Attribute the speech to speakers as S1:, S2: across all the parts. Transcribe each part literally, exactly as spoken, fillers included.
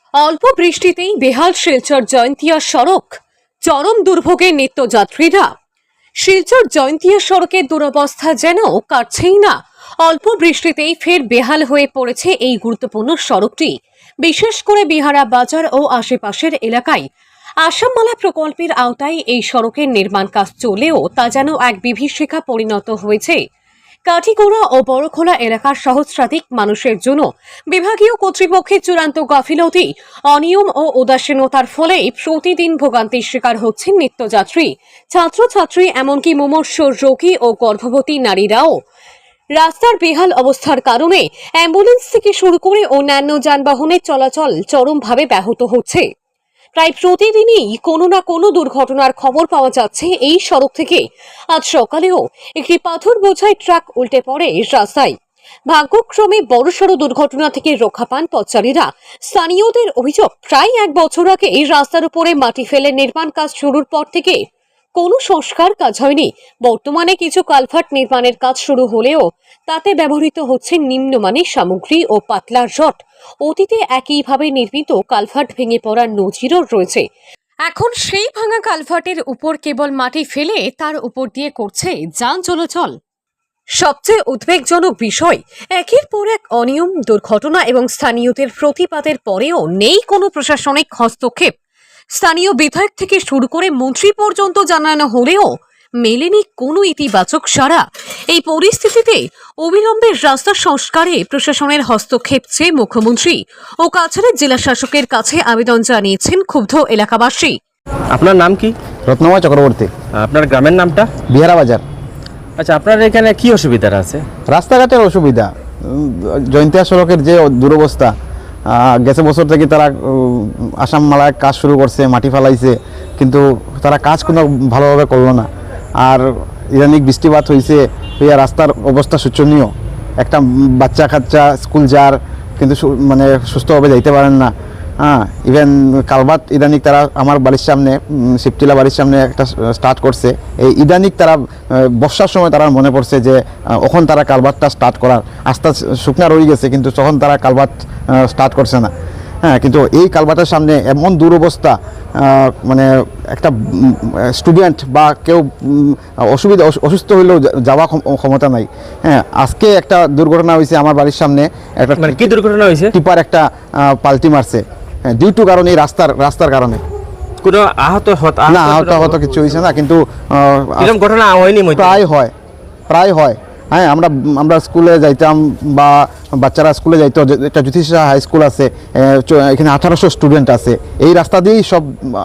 S1: অল্প বৃষ্টিতেই বেহাল শিলচর জয়ন্তিয়া সড়ক, চরম দুর্ভোগে নিত্যযাত্রীরা। শিলচর জয়ন্তিয়া সড়কের দুরবস্থা যেন কাটছেই না। অল্প বৃষ্টিতেই ফের বেহাল হয়ে পড়েছে এই গুরুত্বপূর্ণ সড়কটি, বিশেষ করে বিহারা বাজার ও আশেপাশের এলাকায়। আসামমালা প্রকল্পের আওতায় এই সড়কের নির্মাণ কাজ চলেও তা যেন এক বিভীষিকা পরিণত হয়েছে। কাঠিগোড়া ও বড়খোলা এলাকার সহস্রাধিক মানুষের জন্য বিভাগীয় কর্তৃপক্ষের চূড়ান্ত গাফিলতি, অনিয়ম ও উদাসীনতার ফলে প্রতিদিন ভোগান্তির শিকার হচ্ছেন নিত্যযাত্রী, ছাত্রছাত্রী, এমনকি মুমূর্ষ রোগী ও গর্ভবতী নারীরাও। রাস্তার বেহাল অবস্থার কারণে অ্যাম্বুলেন্স থেকে শুরু করে অন্যান্য যানবাহনের চলাচল চরমভাবে ব্যাহত হচ্ছে। প্রায় প্রতিদিনই কোনো না কোনো দুর্ঘটনার খবর পাওয়া যাচ্ছে এই সড়ক থেকে। আজ সকালেও একটি পাথর বোঝাই ট্রাক উল্টে পড়ে রাস্তায়। ভাগ্যক্রমে বড়সড় দুর্ঘটনা থেকে রক্ষা পান পথচারীরা। স্থানীয়দের অভিযোগ, প্রায় এক বছর আগে এই রাস্তার উপরে মাটি ফেলে নির্মাণ কাজ শুরুর পর থেকে কোনো সংস্কার কাজ হয়নি। বর্তমানে কিছু কালভার্ট নির্মাণের কাজ শুরু হলেও তাতে ব্যবহৃত হচ্ছে নিম্নমানের সামগ্রী ও পাতলা রড। অতীতে একইভাবে নির্মিত কালভার্ট ভেঙে পড়ার নজিরও রয়েছে। এখন সেই ভাঙা কালভার্টের উপর কেবল মাটি ফেলে তার উপর দিয়ে করছে যান চলাচল। সবচেয়ে উদ্বেগজনক বিষয়, একের পর এক অনিয়ম, দুর্ঘটনা এবং স্থানীয়দের প্রতিবাদের পরেও নেই কোনো প্রশাসনিক হস্তক্ষেপ। স্থানীয় বিধায়ক থেকে শুরু করে মন্ত্রী পর্যন্ত জানানো হলেও মেলেনি কোনো ইতিবাচক সাড়া। এই পরিস্থিতিতে অবিলম্বে রাস্তা সংস্কারে প্রশাসনের হস্তক্ষেপ চেয়ে মুখ্যমন্ত্রী ও কাছাড়ের জেলা শাসকের কাছে আবেদন জানিয়েছেন ক্ষুব্ধ এলাকাবাসী।
S2: আপনার নাম কি?
S3: রত্নময় চক্রবর্তী।
S2: আপনার গ্রামের নামটা?
S3: বিহারা বাজার।
S2: আচ্ছা, আপনার এখানে কি অসুবিধা আছে?
S3: রাস্তাঘাটের অসুবিধা, জয়ন্তিয়া সড়কের যে দুরবস্থা। গেছে বছর থেকে তারা আসাম মালায় কাজ শুরু করছে, মাটি ফেলাইছে, কিন্তু তারা কাজ কোনো ভালোভাবে করলো না। আর ইদানিক বৃষ্টিপাত হয়েছে, হইয়া রাস্তার অবস্থা শোচনীয়। একটা বাচ্চা কাচ্চা স্কুল যার, কিন্তু মানে সুস্থভাবে যাইতে পারেন না। হ্যাঁ, ইভেন কালভার্ট ইদানিক তারা আমার বাড়ির সামনে, শিবটিলা বাড়ির সামনে একটা স্টার্ট করছে। এই ইদানিক তারা বর্ষার সময় তারা মনে পড়ছে যে ওখন তারা কালভার্টটা স্টার্ট করার, আস্তে শুকনা রয়ে গেছে, কিন্তু তখন তারা কালভার্ট স্টার্ট করছে না। হ্যাঁ, কিন্তু এই কালভার্টের সামনে এমন দুরবস্থা, মানে একটা স্টুডেন্ট বা কেউ অসুবিধা অসুস্থ হইলেও যাওয়া ক্ষমতা নাই। হ্যাঁ, আজকে একটা দুর্ঘটনা হয়েছে আমার বাড়ির সামনে। একটা
S2: মানে কি দুর্ঘটনা হয়েছে?
S3: টিপার একটা পাল্টি মারছে ডিউ টু কারণে, এই রাস্তার রাস্তার কারণে।
S2: কোনো আহত
S3: না, আহত আহত কিছু হয়েছে না, কিন্তু
S2: এরকম ঘটনা হয়নি।
S3: প্রায় হয়, প্রায় হয়। হ্যাঁ, আমরা আমরা স্কুলে যাইতাম বা বাচ্চারা স্কুলে যাইতো। একটা জ্যোতিষা হাই স্কুল আছে, এখানে আঠারোশো স্টুডেন্ট আছে। এই রাস্তা দিয়েই সব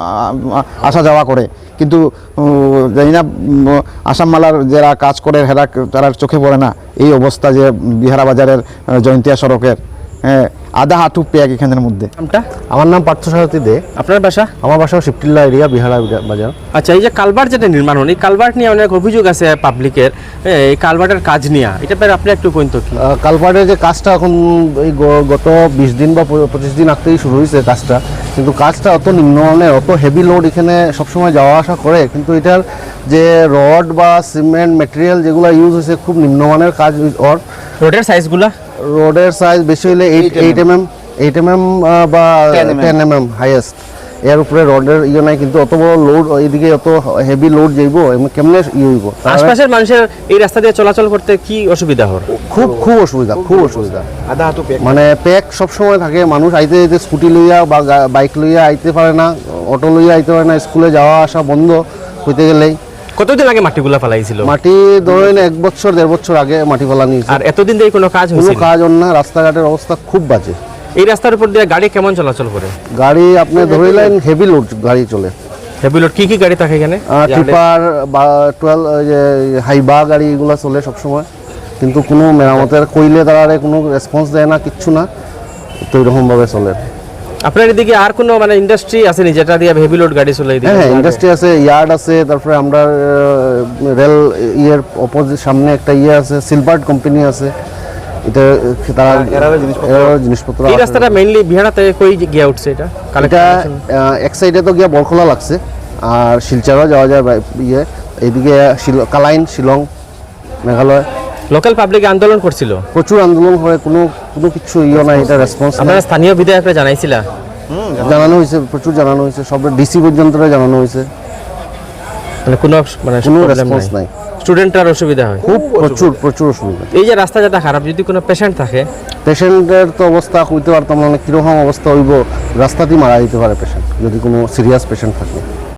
S3: আসা যাওয়া করে, কিন্তু জানি না আসামমালার যারা কাজ করে হেরা তারা চোখে পড়ে না এই অবস্থা যে বিহারা বাজারের জয়ন্তিয়া সড়কের। হ্যাঁ, আধা হাঁটু পেক এখানের মধ্যে।
S2: নামটা?
S4: আমার নাম পার্থসারথী দে।
S2: আপনার বাসা?
S4: আমার বাসা শিবটিল্লা এরিয়া, বিহারা বাজার।
S2: আচ্ছা, এই যে কালভার্ট যেটা নির্মাণ হন, এই কালভার্ট নিয়ে অনেক অভিযোগ আছে পাবলিকের, এই কালভার্টের কাজ নিয়ে, এটা পেয়ে আপনি একটু কইন তো।
S4: কালভার্টের যে কাজটা এখন এই গত বিশ দিন বা পঁচিশ দিন আগতেই শুরু হয়েছে কাজটা, কিন্তু কাজটা অত নিম্নমানের, অত হেভি লোড এখানে সবসময় যাওয়া আসা করে, কিন্তু এটার যে রড বা সিমেন্ট মেটেরিয়াল যেগুলো ইউজ হয়েছে খুব নিম্নমানের কাজ। ওর
S2: রোডের সাইজগুলা,
S4: রোডের সাইজ বেশি হলে eight eight M M eight M M বা টেন এম এম হাইয়েস্ট। এর উপরে রডের ইয়ে নাই, কিন্তু অত বড় লোড এইদিকে অত হেভি লোড যাইব কেমনে ইয়ে হইব।
S2: আশপাশের মানুষের এই রাস্তা দিয়ে চলাচল করতে কি অসুবিধা হয়?
S4: খুব খুব অসুবিধা, খুব অসুবিধা।
S3: আধা হাঁটু পেক,
S4: মানে প্যাক সবসময় থাকে। মানুষ আইতে যেতে স্কুটি লইয়া বা বাইক লইয়া আইতে পারে না, অটো লইয়া আইতে পারে না, স্কুলে যাওয়া আসা বন্ধ হইতে গেলেই।
S2: কতদিন আগে মাটিগুলা ফেলাইছিল?
S4: মাটি ধরেন এক বছর দেড় বছর আগে মাটি ফেলা নিয়েছে।
S2: আর এতদিন ধরে কোনো কাজ হয়েছে?
S4: কোনো কাজ হন না, রাস্তাঘাটের অবস্থা খুব বাজে।
S2: এই রাস্তার উপর দিয়ে গাড়ি কেমন চলাচল করে?
S4: গাড়ি আপনি ধরিলেন হেভি লোড গাড়ি চলে।
S2: হেভি লোড কি কি গাড়ি থাকে এখানে?
S4: টিপার বা টুয়েলভ হাইবা গাড়ি এগুলো চলে সবসময়, কিন্তু কোনো মেরামতের কইলে তারা কোনো রেসপন্স দেয় না, কিচ্ছু না, তো এরকমভাবে চলে।
S2: আপনার এদিকে আর কোনো মানে ইন্ডাস্ট্রি আছে নি যেটা দিয়ে হেভি লোড গাড়ি চলে?
S4: হ্যাঁ, ইন্ডাস্ট্রি আছে, ইয়ার্ড আছে, তারপরে আমরা রেল ইয়ের অপোজিট সামনে একটা ইয়ে আছে, সিলভার্ট কোম্পানি আছে। এটা তারা জিনিসপত্র।
S2: এই রাস্তাটা মেইনলি বিহারাতে কই গিয়া উঠছে? এটা
S4: এটা এক সাইডে তো গিয়া বরখোলা লাগছে, আর শিলচরও যাওয়া যায় ইয়ে এইদিকে কালাইন, শিলং, মেঘালয়।
S2: লোকাল পাবলিক আন্দোলন করছিল,
S4: প্রচুর আন্দোলন হয়, কোনো কোনো কিছু ইয়ে নাই, এটা রেসপন্স।
S2: আপনারা স্থানীয় বিধায়করা জানাইছিলা?
S4: জানানো হয়েছে, প্রচুর জানানো হয়েছে, সব ডিসি পর্যন্ত জানানো হয়েছে,
S2: মানে কোনো মানে
S4: কোনো
S2: problem
S4: রেসপন্স নাই।
S2: স্টুডেন্টরার অসুবিধা হয়
S4: খুব প্রচুর প্রচুর অসুবিধা।
S2: এই যে রাস্তা যেটা খারাপ, যদি কোনো পেশেন্ট থাকে
S4: পেশেন্টের তো অবস্থা কইতে পারতাম না, কীরকম অবস্থা হইব, রাস্তাতেই মারা যেতে পারে পেশেন্ট যদি কোনো সিরিয়াস পেশেন্ট থাকে।